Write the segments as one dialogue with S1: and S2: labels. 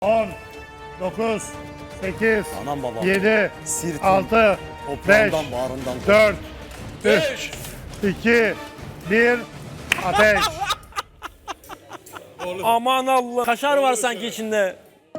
S1: 10, 9, 8,
S2: Anam babam.
S1: 7,
S2: Sirtin,
S1: 6, 5,
S2: toprağından, bağrından.
S1: 4, 3, 2, 1, ateş.
S3: Aman Allah. Kaşar var sanki içinde.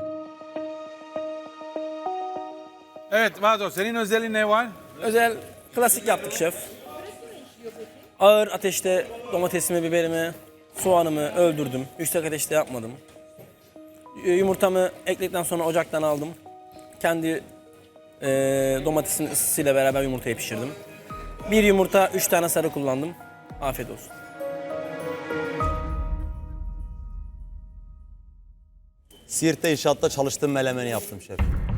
S4: Evet Vado, senin özelliğin ne var?
S3: Özel klasik yaptık şef. Ağır ateşte domatesimi, biberimi, soğanımı öldürdüm. Yüksek ateşte yapmadım. Yumurtamı ekledikten sonra ocaktan aldım. Kendi domatesin ısısıyla beraber yumurtayı pişirdim. Bir yumurta, 3 tane sarı kullandım. Afiyet olsun.
S2: Siirt'te inşaatta çalıştığım melemeni yaptım şef.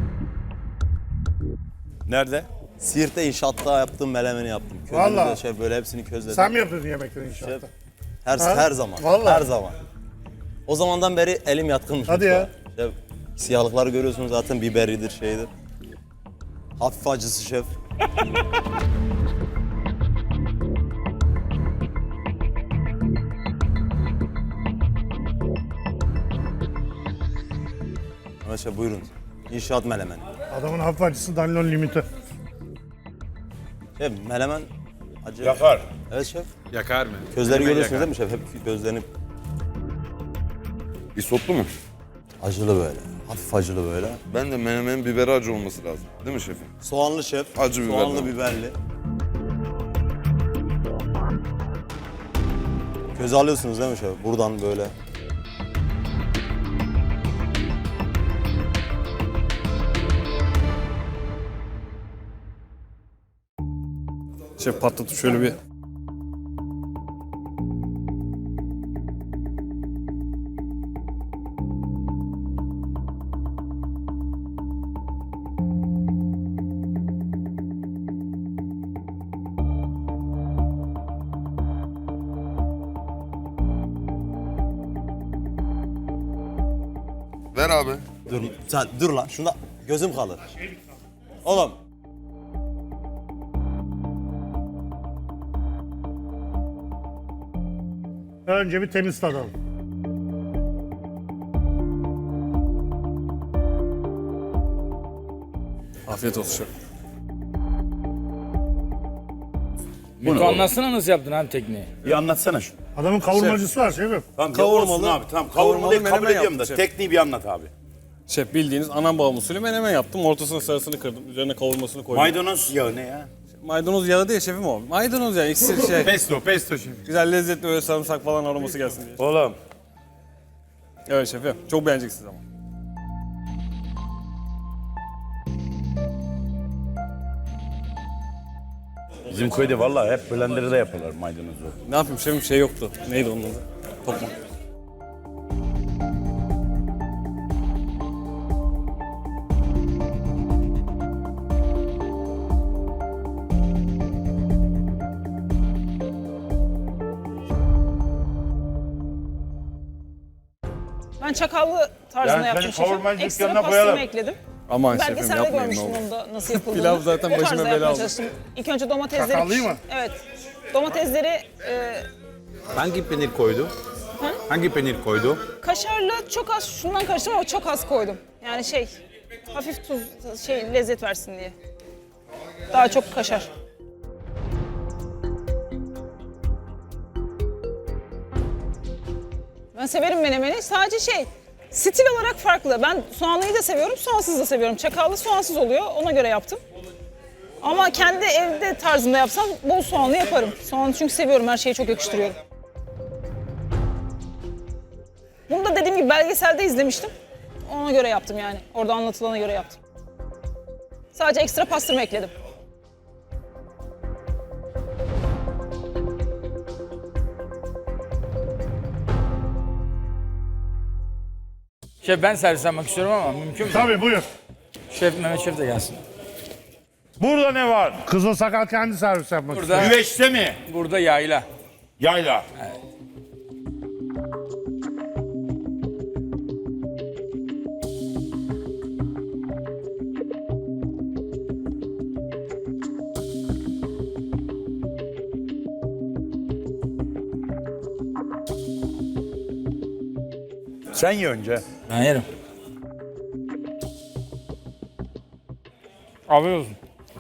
S5: Nerede?
S2: Siirt'te inşaatta yaptığım melemeni yaptım. Közünü
S1: Vallahi.
S2: de şef böyle hepsini közledim.
S1: Sen mi yapıyordun yemekleri inşaatta?
S2: Her zaman.
S1: Vallahi.
S2: Her zaman. O zamandan beri elim yatkınmış.
S1: Hadi ya.
S2: mutfağa. Şef, siyahlıkları görüyorsunuz zaten, biberidir şeydir. Hafif acısı şef. Evet şef, buyurun. İnşaat melemeni.
S1: Adamın hafif acısı Danilon limiti.
S2: Şef melemen acı.
S5: Yakar.
S2: Evet şef.
S4: Yakar mı?
S2: Közleri
S4: Hemen
S2: görüyorsunuz
S4: yakar.
S2: değil mi şef? Hep gözlerini
S5: Isotlu mu?
S2: acılı böyle. Hafif acılı böyle.
S5: Ben de menemenin biberi acı olması lazım. Değil mi şefim?
S2: Soğanlı şef.
S5: Acı biber
S2: Soğanlı
S5: var.
S2: biberli. Köz alıyorsunuz değil mi şef? Buradan böyle.
S6: Şef patlatıp şöyle bir...
S5: Ver abi.
S2: Dur, sen dur lan. Şunda gözüm kalır. Oğlum.
S1: Önce bir temiz tadalım.
S6: Afiyet olsun şef.
S7: Miko anlatsana nasıl yaptın abi tekniği?
S5: Bir anlatsana şunu.
S1: Adamın kavurmacısı var şefim.
S5: Tamam,
S2: Kavurmalı-
S5: olsun abi. Tamam,
S6: kavurmalı
S5: kavurmalıyı kabul
S6: menemen
S5: ediyorum da
S6: yaptım şef.
S5: tekniği bir anlat abi.
S6: Şef bildiğiniz anam babam usulü menemen yaptım. Ortasına sarısını kırdım. Üzerine kavurmasını koydum.
S5: Maydanoz yağı ne ya?
S6: Maydanoz yağı değil şefim o. Maydanoz yağı iksir şey.
S4: Pesto şef.
S6: Güzel lezzetli böyle sarımsak falan aroması gelsin diye.
S5: Oğlum.
S6: Evet şefim. Çok beğeneceksiniz ama.
S5: Bizim köyde vallahi hep blenderda yaparlar maydanozu.
S6: Ne yapayım şefim, şey yoktu. Neydi onun adı? Tokmak.
S8: Ben çakallı tarzında
S5: Yani
S8: yaptım
S5: senin
S8: şefim.
S5: kavurmacı
S8: Ekstra
S5: dükkanına
S8: pastırma
S5: koyalım.
S8: ekledim.
S6: Aman şefim
S8: Belgeselde
S6: yapmayın ne
S8: görmüştüm
S6: olur.
S8: onu da nasıl yapıldığını.
S6: Pilav zaten
S8: O
S6: başıma
S8: tarzda
S6: bela
S8: yapmaya
S6: oldu.
S8: çalıştım. İlk önce domatesleri...
S1: Çakallıyı mı?
S8: Evet. Domatesleri
S4: Hangi peynir koydu? Hangi peynir koydu?
S8: kaşarla çok az şundan karıştırdım ama çok az koydum. Yani şey hafif tuz lezzet versin diye. Daha çok kaşar. Ben severim menemeni. Sadece stil olarak farklı. Ben soğanlıyı da seviyorum, soğansız da seviyorum. Çakallı soğansız oluyor, ona göre yaptım. Ama kendi evde tarzımda yapsam bol soğanlı yaparım. Soğanı çünkü seviyorum, her şeye çok yakıştırıyorum. Bunu da dediğim gibi belgeselde izlemiştim. Ona göre yaptım yani. Orada anlatılana göre yaptım. Sadece ekstra pastırma ekledim.
S7: Şef ben servis yapmak istiyorum ama mümkün mü?
S1: Tabii buyur.
S7: Şef Mehmet Şef de gelsin.
S5: Burada ne var?
S1: Kızıl sakal kendi servis yapmak istiyor.
S7: Burada,
S5: Güveçte mi?
S7: burada yayla.
S5: Yayla. Sen ye önce.
S7: Ben yerim. Afiyet olsun.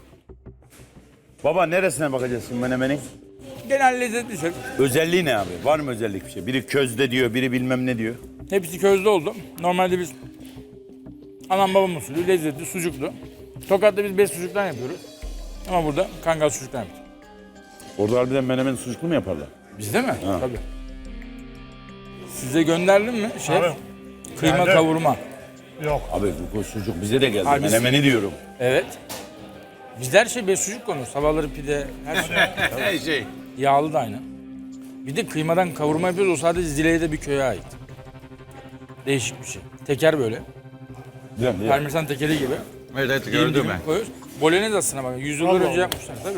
S5: Baba neresine bakacağız şimdi menemenin?
S7: Genel lezzetli şef.
S5: Özelliği ne abi? Var mı özellik bir şey? Biri közde diyor, biri bilmem ne diyor.
S7: Hepsi közde oldu. Normalde biz anam babam usulü lezzetli sucuklu. Tokat'ta biz bez sucuktan yapıyoruz. Ama burada kangal sucuktan yapıyoruz.
S5: Orada harbiden menemen sucuklu mu yaparlar?
S7: Bizde mi? Tabii. Size gönderdim mi şef?
S1: Abi,
S7: Kıyma
S1: geldi.
S7: kavurma.
S1: Yok.
S5: Abi bu sucuk bize de geldi.
S7: Abi biz-
S5: Menemeni diyorum.
S7: Evet. Bizde her şey bez sucuk konur. Sabahları pide, her şey.
S4: Her şey.
S7: Yağlı da aynı. Bir de kıymadan kavurma yapıyoruz. O sadece Zile'de bir köye ait. Değişik bir şey. Teker böyle.
S5: Değil mi?
S7: Parmesan tekeri gibi.
S4: Evet evet
S7: Dilim
S4: gördüm
S7: dilim
S4: ben.
S7: koyuyoruz. Bolognese aslında bak. 100 yıl
S1: Allah
S7: önce
S1: Allah.
S7: yapmışlar tabii.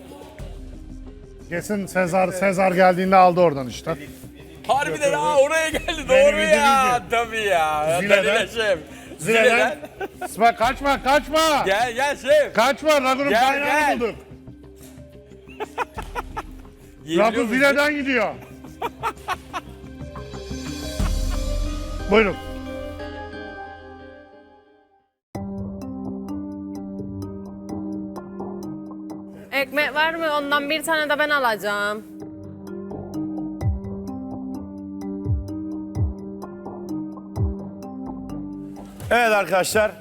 S1: Kesin Sezar geldiğinde aldı oradan işte.
S7: Harbiden ha oraya geldi
S1: Beni
S7: doğru
S1: bildiğin
S7: ya.
S1: gibi.
S7: Tabii ya.
S1: Zile'den-
S7: Danilo şef.
S1: Zile'den. İsmail kaçma.
S7: Gel şef.
S1: Kaçma, Ragun'un
S7: Gel,
S1: kaynağını
S7: gel.
S1: bulduk.
S7: Yiyebiliyor
S1: Ragun
S7: musun?
S1: Zile'den gidiyor. Buyurun.
S9: Ekmek var mı? Ondan bir tane de ben alacağım.
S5: Evet arkadaşlar.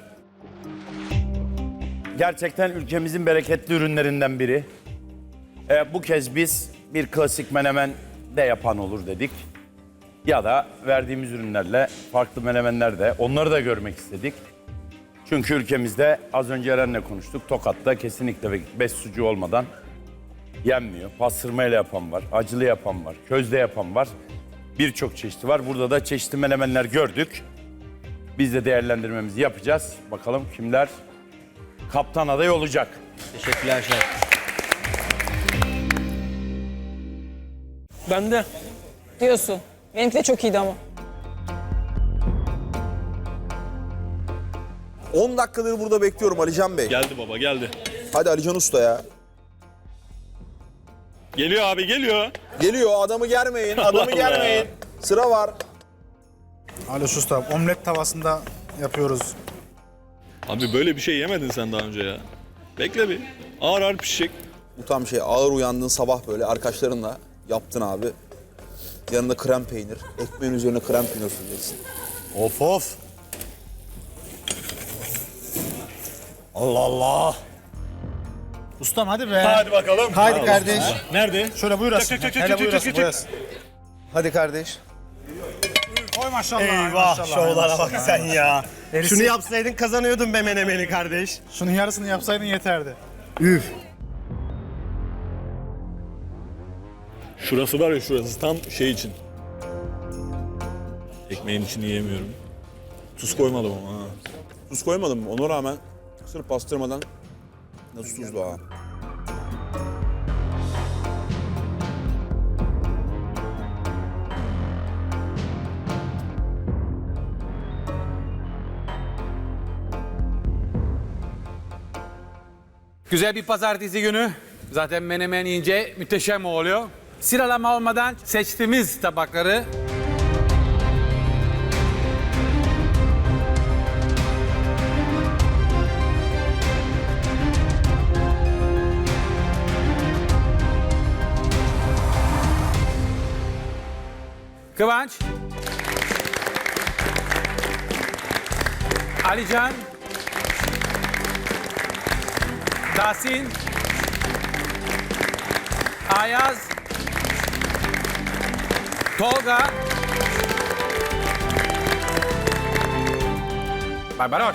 S5: Gerçekten ülkemizin bereketli ürünlerinden biri. Bu kez biz bir klasik menemen de yapan olur dedik. Ya da verdiğimiz ürünlerle farklı menemenler de onları da görmek istedik. Çünkü ülkemizde az önce Eren'le konuştuk. Tokat'ta kesinlikle bez sucuğu olmadan yenmiyor. Pastırmayla yapan var, acılı yapan var, közde yapan var. Birçok çeşidi var. Burada da çeşitli menemenler gördük. Biz de değerlendirmemizi yapacağız. Bakalım kimler kaptan adayı olacak.
S3: Teşekkürler şef. Ben de.
S8: Diyorsun. Benimki de çok iyiydi ama.
S10: 10 dakikadır burada bekliyorum Alican Bey.
S6: Geldi baba geldi.
S10: Hadi Alican Usta ya.
S6: Geliyor abi geliyor.
S10: Geliyor, adamı germeyin, adamı germeyin. Sıra var.
S11: Ali Usta, omlet tavasında yapıyoruz.
S6: Abi böyle bir şey yemedin sen daha önce ya. Bekle bir. Ağır ağır pişecek.
S10: Bu tam şey, ağır uyandığın sabah böyle arkadaşlarınla yaptın abi. Yanında krem peynir, ekmeğin üzerine krem peynir süreceksin.
S2: Of of. Allah Allah.
S11: Ustam hadi be.
S6: Hadi bakalım.
S11: Haydi kardeş.
S6: Nerede?
S11: Şöyle buyurasın. Hele buyurasın, buyurasın.
S10: Hadi kardeş.
S11: Oy maşallah.
S2: Eyvah şovlara bak sen ya.
S11: Şunu
S2: yapsaydın kazanıyordun be menemeni kardeş.
S11: Şunun yarısını yapsaydın yeterdi.
S6: Şurası var ya şurası tam şey için. Ekmeğin içini yiyemiyorum. Tuz koymadım ama ha.
S10: Tuz koymadım mı? Ona rağmen sırf pastırmadan nasıl tuzlu ha?
S4: Güzel bir pazartesi günü. Zaten menemen yiyince müteşem oluyor. Sıralama olmadan seçtiğimiz tabakları Kıvanç, Alican, Tahsin, Ayaz, Tolga, Barbaros.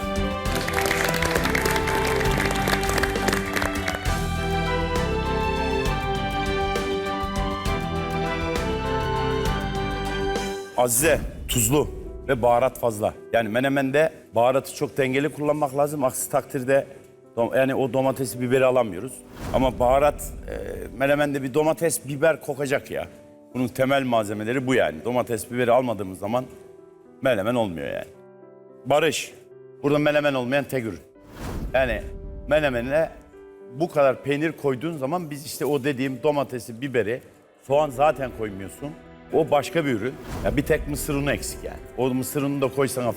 S5: Azize, tuzlu ve baharat fazla. Yani menemende baharatı çok dengeli kullanmak lazım. Aksi takdirde yani o domatesi, biberi alamıyoruz. Ama baharat, menemende bir domates, biber kokacak ya. Bunun temel malzemeleri bu yani. Domates, biberi almadığımız zaman menemen olmuyor yani. Barış, burada menemen olmayan tek ürün. Yani menemenine bu kadar peynir koyduğun zaman biz işte o dediğim domatesi, biberi, soğan zaten koymuyorsun. O başka bir ürün. Ya bir tek mısır unu eksik yani. O mısır ununu da koysan hafif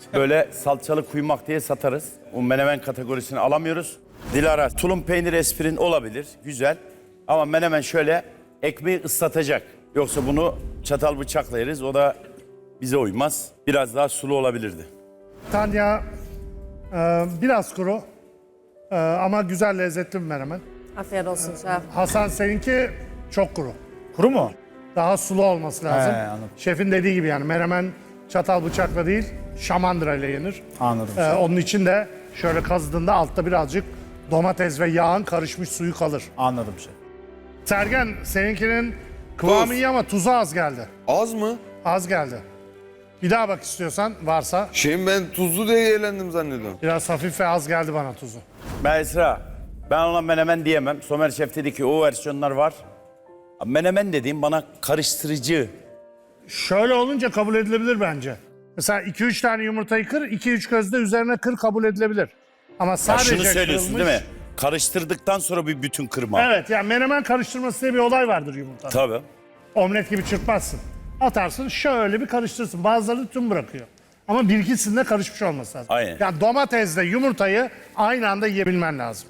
S5: böyle salçalı kuymak diye satarız. O menemen kategorisini alamıyoruz. Dilara, tulum peynir esprin olabilir, güzel. Ama menemen şöyle ekmeği ıslatacak. Yoksa bunu çatal bıçakla yeriz, o da bize uymaz. Biraz daha sulu olabilirdi.
S1: Tanya biraz kuru ama güzel lezzetli bir menemen.
S9: Afiyet olsun şef.
S1: Hasan seninki çok kuru.
S11: Kuru mu?
S1: Daha sulu olması lazım.
S11: anladım.
S1: Şefin dediği gibi yani menemen çatal bıçakla değil şamandıra ile yenir.
S11: Anladım.
S1: Onun için de şöyle kazıdığında altta birazcık domates ve yağın karışmış suyu kalır.
S11: Anladım şef.
S1: Sergen seninkinin kıvamı
S10: Tuz.
S1: iyi ama tuzu az geldi.
S10: Az mı?
S1: Az geldi. Bir daha bak istiyorsan varsa.
S10: Şeyim ben tuzlu diye eğlendim zannediyorum.
S1: Biraz hafif ve az geldi bana tuzu.
S5: Esra, ben ona menemen diyemem. Somer Şef dedi ki o versiyonlar var. Menemen dediğim bana karıştırıcı.
S1: Şöyle olunca kabul edilebilir bence. Mesela 2-3 tane yumurtayı kır, 2-3 közde üzerine kır kabul edilebilir. Ama
S5: Ya
S1: sadece
S5: şunu söylüyorsun
S1: kırılmış-
S5: değil mi? Karıştırdıktan sonra bir bütün kırma.
S1: Evet yani menemen karıştırması diye bir olay vardır yumurtada.
S5: Tabii.
S1: Omlet gibi çırpmazsın. Atarsın şöyle bir karıştırırsın. Bazıları tüm bırakıyor. Ama bir ikisinde karışmış olması lazım.
S5: Aynen.
S1: Yani domatesle yumurtayı aynı anda yiyebilmen lazım.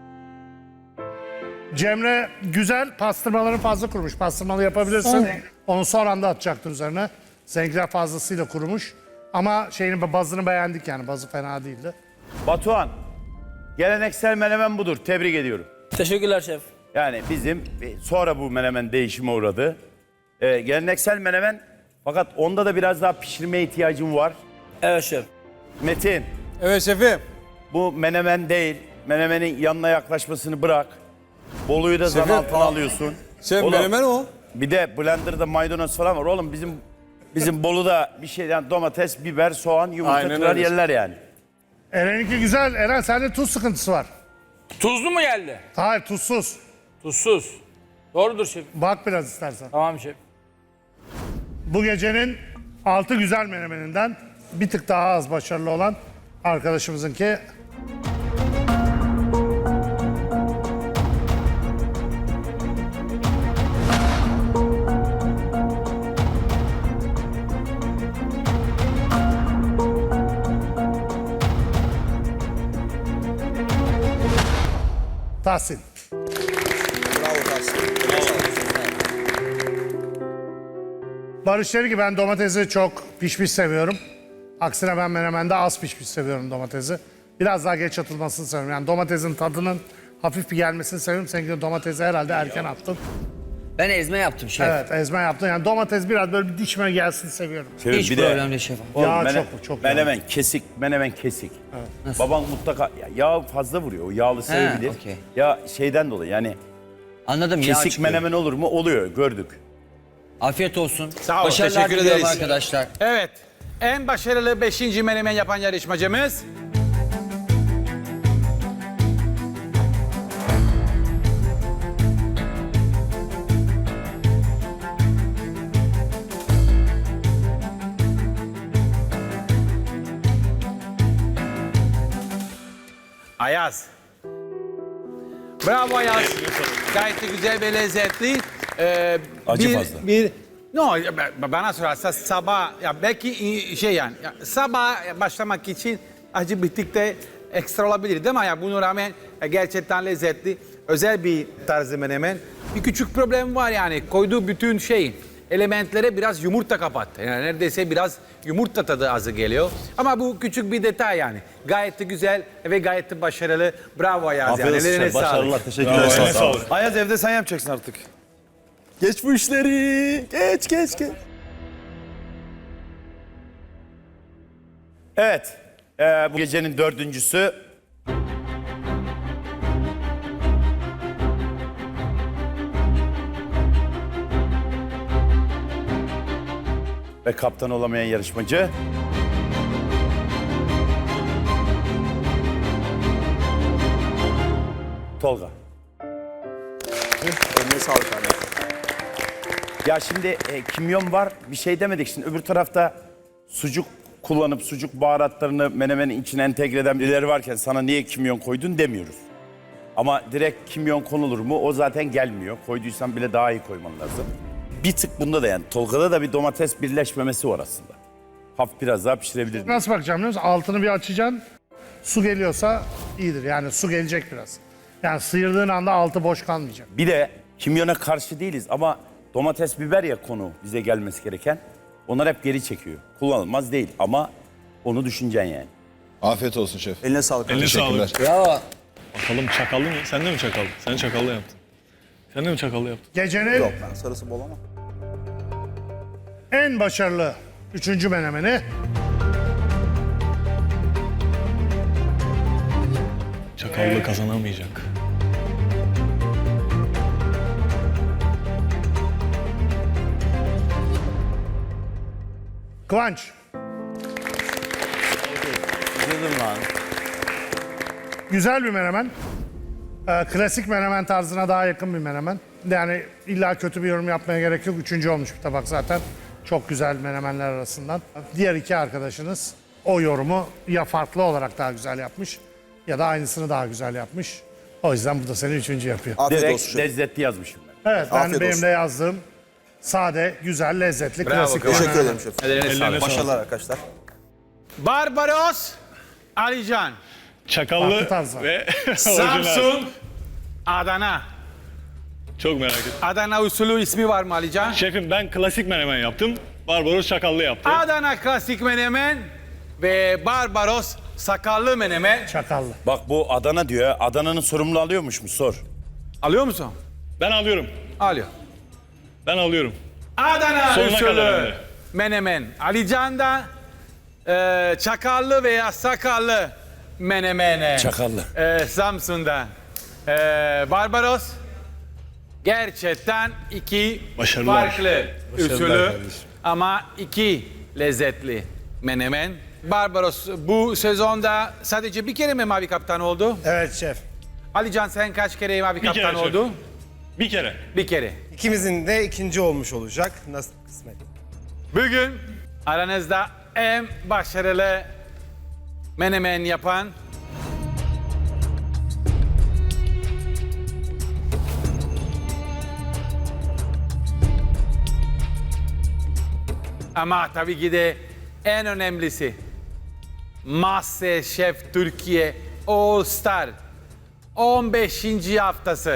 S1: Cemre güzel, pastırmaların fazla kurumuş. Pastırmalı yapabilirsin. Onu son anda atacaktır üzerine. Seninkiler fazlasıyla kurumuş. Ama bazını beğendik yani. Bazı fena değildi.
S5: Batuhan, geleneksel menemen budur. Tebrik ediyorum.
S3: Teşekkürler şef.
S5: Yani bizim sonra bu menemen değişime uğradı. Geleneksel menemen fakat onda da biraz daha pişirmeye ihtiyacım var.
S3: Evet şef.
S5: Metin,
S11: Evet şefim.
S5: bu menemen değil. Menemenin yanına yaklaşmasını bırak. Boluyu da zan altına alıyorsun.
S10: Şef
S5: Oğlum,
S10: menemen o.
S5: Bir de blenderda maydanoz falan var. Oğlum bizim Bolu'da bir şey yani domates, biber, soğan, yumurta
S10: Aynen
S5: kırar
S10: öyle.
S5: yerler yani.
S1: Eren'inki güzel. Eren sende tuz sıkıntısı var.
S7: Tuzlu mu geldi?
S1: Hayır tuzsuz.
S7: Tuzsuz. Doğrudur şef.
S1: Bak biraz istersen.
S7: Tamam şef.
S1: Bu gecenin 6 güzel menemeninden bir tık daha az başarılı olan arkadaşımızınki. Tahsin.
S10: Bravo Tahsin.
S1: Barış dedi ki ben domatesi çok pişmiş seviyorum. Aksine ben menemende az pişmiş seviyorum domatesi. Biraz daha geç atılmasını seviyorum. Yani domatesin tadının hafif bir gelmesini seviyorum. Seninki domatesi herhalde erken attın.
S12: Ben ezme yaptım şef.
S1: Evet ezme yaptın. Yani domates biraz böyle bir dişime gelsin seviyorum.
S12: Hiç
S5: Bir de-
S12: problem değil şef.
S5: Oğlum,
S1: Yağ çok yağ.
S5: menemen kesik, menemen kesik. Baban mutlaka yağ fazla vuruyor. O yağlı sevebilir.
S12: okey.
S5: Ya şeyden dolayı yani
S12: Anladım ya.
S5: kesik menemen olur mu? Oluyor, gördük.
S12: Afiyet olsun.
S4: Sağ ol,
S12: Başarılar
S4: teşekkür
S12: diliyorum
S4: ederiz.
S12: arkadaşlar.
S4: Evet. En başarılı 5. menemen yapan yarışmacımız Ayaz. Bravo Ayaz. Gayet de güzel ve lezzetli.
S5: Acı fazla.
S4: No, bana sorarsa sabah, ya belki şey yani, sabah başlamak için acı bittikte ekstra olabilir değil mi? Ya buna rağmen gerçekten lezzetli, özel bir tarzı menemen. Bir küçük problem var yani, koyduğu bütün elementlere biraz yumurta kapattı. Yani neredeyse biraz yumurta tadı azı geliyor. Ama bu küçük bir detay yani. Gayet de güzel ve gayet de başarılı. Bravo Ayaz. Yani. Ellerine sağlık.
S5: Başarılar, teşekkürler. Sağ ol.
S10: Ayaz evde sen yapacaksın artık. Geç bu işleri. Geç.
S5: Evet, bu gecenin dördüncüsü. Ve kaptan olamayan yarışmacı. Tolga.
S10: Eline sağlık abi.
S5: Ya şimdi kimyon var, bir şey demedik. Şimdi öbür tarafta sucuk kullanıp sucuk baharatlarını menemenin içine entegre eden birileri varken sana niye kimyon koydun demiyoruz. Ama direkt kimyon konulur mu? O zaten gelmiyor. Koyduysan bile daha iyi koyman lazım. Bir tık bunda da yani Tolga'da da bir domates birleşmemesi var aslında. hafif biraz daha pişirebilirdik.
S1: Nasıl bakacağım biliyor musun? Altını bir açacaksın. Su geliyorsa iyidir. Yani su gelecek biraz. Yani sıyırdığın anda altı boş kalmayacak.
S5: Bir de kimyona karşı değiliz ama domates, biber ya konu bize gelmesi gereken. Onlar hep geri çekiyor. Kullanılmaz değil ama onu düşüneceksin yani.
S10: Afiyet olsun şef.
S2: Eline sağlık.
S6: Eline
S2: Teşekkürler.
S6: sağlık.
S12: Bravo.
S6: Bakalım çakallı mı? Sen de mi çakallı? Sen çakallı yaptın. Sen de mi çakallı yaptın?
S1: Gecenin
S10: Yok ben sarısı bol ama.
S1: en başarılı 3. menemeni
S6: Çakallı kazanamayacak.
S1: Kıvanç.
S5: Üzüldüm lan.
S1: Güzel bir menemen. Klasik menemen tarzına daha yakın bir menemen. Yani illa kötü bir yorum yapmaya gerek yok. 3. olmuş bir tabak zaten. Çok güzel menemenler arasından. Diğer 2 arkadaşınız o yorumu ya farklı olarak daha güzel yapmış ya da aynısını daha güzel yapmış. O yüzden bu da seni 3. yapıyor.
S10: Afiyet
S5: Direkt
S10: olsun şef.
S5: lezzetli yazmışım ben.
S1: Evet, ben
S10: Afiyet
S1: benim
S10: olsun.
S1: de yazdığım sade, güzel, lezzetli,
S4: Bravo,
S1: klasik bir
S4: Kıvanç.
S10: Teşekkür
S1: menemen.
S10: ederim şef.
S4: Ellerine sağlık.
S10: Başarılar arkadaşlar.
S4: Barbaros, Alican,
S6: Çakallı
S1: Farklı tarzlar.
S6: ve orijinal.
S4: Samsun, Adana.
S6: Çok merak ettim.
S4: Adana usulü ismi var mı Alican?
S6: Şefim ben klasik menemen yaptım. Barbaros çakallı yaptı.
S4: Adana klasik menemen ve Barbaros sakallı menemen.
S1: Çakallı.
S5: Bak bu Adana diyor ya. Adana'nın sorumlu alıyormuş mu sor.
S4: Alıyor musun?
S6: Ben alıyorum.
S4: Alıyor.
S6: Ben alıyorum.
S4: Adana
S6: Sonuna kadar
S4: usulü
S6: öyle.
S4: menemen. Alican'da çakallı veya sakallı menemene.
S5: Çakallı.
S4: Samsun'da Barbaros. Gerçekten 2
S6: Başarılar.
S4: farklı usulü ama 2 lezzetli menemen. Barbaros bu sezonda sadece bir kere mi mavi kaptan oldu?
S11: Evet şef.
S4: Alican sen kaç kere mavi
S6: Bir kere
S4: kaptan
S6: şef.
S4: oldu?
S6: Bir kere.
S4: Bir kere.
S11: İkimizin de 2. olmuş olacak. Nasıl kısmet?
S4: Bugün aranızda en başarılı menemen yapan ama tabii ki de en önemlisi MasterChef Türkiye All Star 15. haftası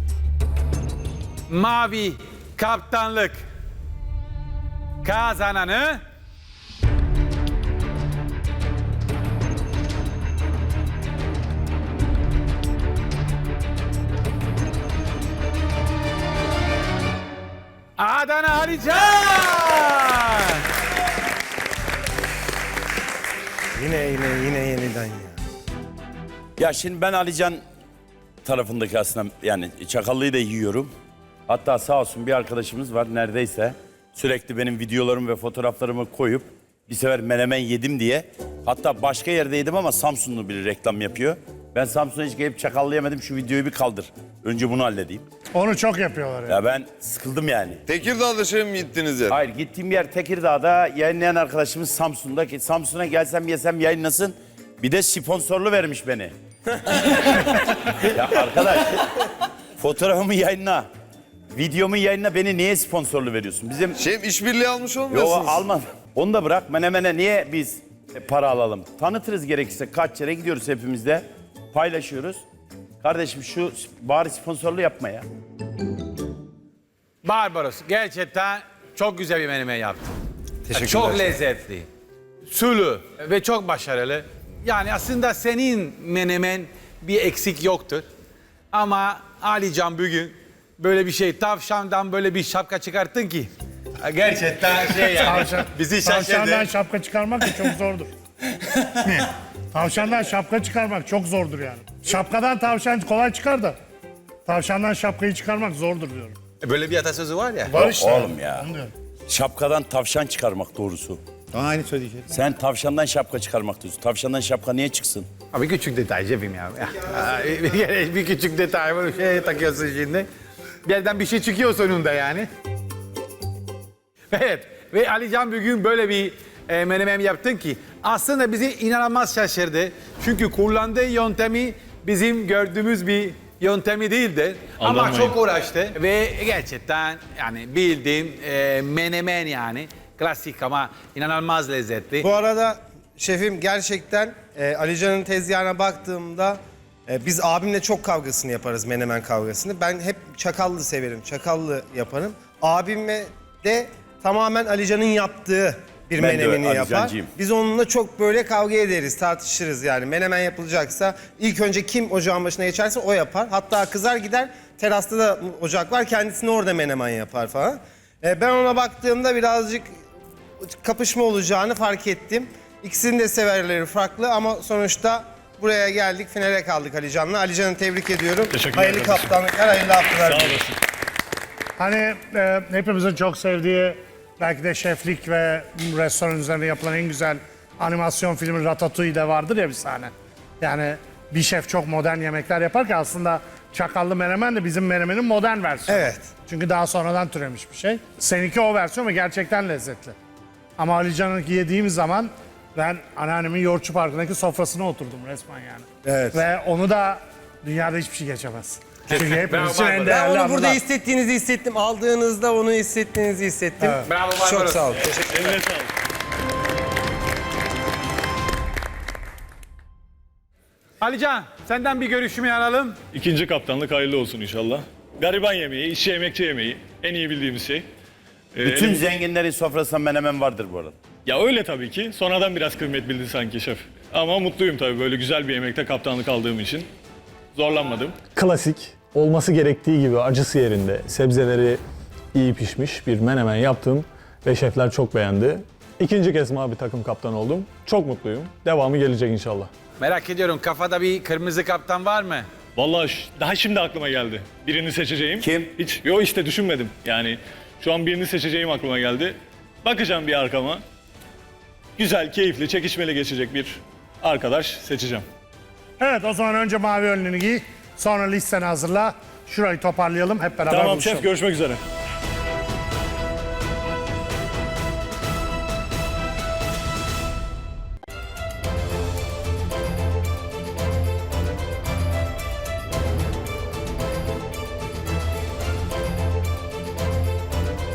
S4: mavi kaptanlık kazananı Adana Alican.
S11: Yine yeniden ya.
S5: Ya şimdi ben Alican tarafındaki aslında yani çakallıyı da yiyorum. Hatta sağ olsun bir arkadaşımız var neredeyse sürekli benim videolarımı ve fotoğraflarımı koyup bir sefer menemen yedim diye. Hatta başka yerde yedim ama Samsunlu biri reklam yapıyor. Ben Samsun'a hiç gelip çakallı yemedim, şu videoyu bir kaldır. Önce bunu halledeyim.
S1: Onu çok yapıyorlar.
S5: Ya ben sıkıldım yani.
S13: Tekirdağ'da şey mi gittiniz ya?
S5: Hayır, gittiğim yer Tekirdağ'da, yayınlayan arkadaşımız Samsun'da. Samsun'a gelsem yesem yayınlasın. Bir de sponsorlu vermiş beni. Ya arkadaş, fotoğrafımı yayınla. Videomu yayınla, beni niye sponsorlu veriyorsun? Bizim...
S13: Şef işbirliği almış
S5: Yok
S13: olmuyorsunuz.
S5: almadım. Onu da bırak. Menemene niye biz para alalım? Tanıtırız gerekirse. Kaç yere gidiyoruz hepimiz de. Paylaşıyoruz. Kardeşim şu bari sponsorlu yapma ya.
S4: Barbaros gerçekten çok güzel bir menemen yaptı.
S10: Teşekkürler.
S4: Çok lezzetli, sulu ve çok başarılı. Yani aslında senin menemen bir eksik yoktur. Ama Alican bugün böyle bir şey, tavşandan böyle bir şapka çıkarttın ki. Gerçekten şey yani, bizi
S1: Tavşandan
S4: şaşırdı.
S1: şapka çıkarmak da çok zordur. Tavşandan şapka çıkarmak çok zordur yani. Şapkadan tavşan kolay çıkar da tavşandan şapkayı çıkarmak zordur diyorum.
S4: Böyle bir atasözü var ya.
S1: Var işte.
S5: Oğlum ya.
S1: Onu diyorum.
S5: Şapkadan tavşan çıkarmak doğrusu.
S11: Aynı söyleyeceğim.
S5: Sen tavşandan şapka çıkarmak diyorsun. Tavşandan şapka niye çıksın?
S4: Abi küçük detay cebim ya. Bir küçük detay var, şey takıyorsun şimdi. Bir yerden bir şey çıkıyor sonunda yani. Evet ve Alican bugün böyle bir menemen yaptın ki aslında bizi inanılmaz şaşırdı. Çünkü kullandığı yöntemi bizim gördüğümüz bir yöntemi değildi. Ama
S6: Anlamayın.
S4: çok uğraştı ve gerçekten yani bildiğin menemen yani Klasik ama inanılmaz lezzetli.
S11: Bu arada şefim gerçekten Alican'ın tezgahına baktığımda biz abimle çok kavgasını yaparız, menemen kavgasını. Ben hep çakallı severim, çakallı yaparım. Abime de tamamen Alican'ın yaptığı bir
S5: Ben de
S11: menemeni yapar.
S5: Alicancıyım.
S11: Biz onunla çok böyle kavga ederiz, tartışırız yani. Menemen yapılacaksa ilk önce kim ocağın başına geçerse o yapar. Hatta kızar gider, terasta da ocak var, kendisini orada menemen yapar falan. Ben ona baktığımda birazcık kapışma olacağını fark ettim. İkisinin de severleri farklı ama sonuçta buraya geldik, finale kaldık Alican'la. Alican'ı tebrik ediyorum.
S6: Teşekkürler
S11: Hayırlı
S6: kardeşim.
S11: kaptanlıklar, hayırlı haftalar.
S6: Sağ
S11: diliyorum.
S6: olasın.
S1: Hani hepimizin çok sevdiği belki de şeflik ve restoran üzerine yapılan en güzel animasyon filmi Ratatouille'de vardır ya bir sahne. Yani bir şef çok modern yemekler yapar ki aslında çakallı menemen de bizim menemenin modern versiyonu.
S11: Evet.
S1: Çünkü daha sonradan türemiş bir şey. Seninki o versiyon ve gerçekten lezzetli. Ama Ali Can'ınki yediğim zaman ben anneannemin Yoğurtçu Parkı'ndaki sofrasına oturdum resmen yani.
S11: Evet.
S1: Ve onu da dünyada hiçbir şey geçemez. Çünkü hepimiz için
S4: Bravo,
S1: en
S4: bravo.
S1: değerli
S11: Ben onu burada
S1: anılar.
S11: hissettiğinizi hissettim. Aldığınızda onu hissettiğinizi hissettim.
S4: Bravo,
S11: Çok
S4: Barbaros.
S11: sağ olun. Teşekkür ederim.
S6: Eline sağlık.
S4: Alican senden bir görüşümü alalım.
S6: İkinci kaptanlık hayırlı olsun inşallah. Gariban yemeği, işçi emekçi yemeği. En iyi bildiğimiz şey.
S5: Bütün
S6: elim-
S5: zenginlerin sofrasında menemen vardır bu arada.
S6: Ya öyle tabii ki. Sonradan biraz kıymet bildi sanki şef. Ama mutluyum tabii böyle güzel bir yemekte kaptanlık aldığım için. Zorlanmadım.
S14: Klasik, olması gerektiği gibi acısı yerinde, sebzeleri iyi pişmiş bir menemen yaptım ve şefler çok beğendi. İkinci kez mavi takım kaptanı oldum. Çok mutluyum. Devamı gelecek inşallah.
S4: Merak ediyorum kafada bir kırmızı kaptan var mı?
S6: Vallahi daha şimdi aklıma geldi. Birini seçeceğim.
S5: Kim?
S6: Hiç. Yo işte düşünmedim. Yani şu an birini seçeceğim aklıma geldi. Bakacağım bir arkama. Güzel, keyifli, çekişmeli geçecek bir arkadaş seçeceğim.
S1: Evet o zaman önce mavi önlüğünü giy. Sonra listeni hazırla. Şurayı toparlayalım hep beraber
S6: Tamam
S1: buluşalım.
S6: şef görüşmek üzere.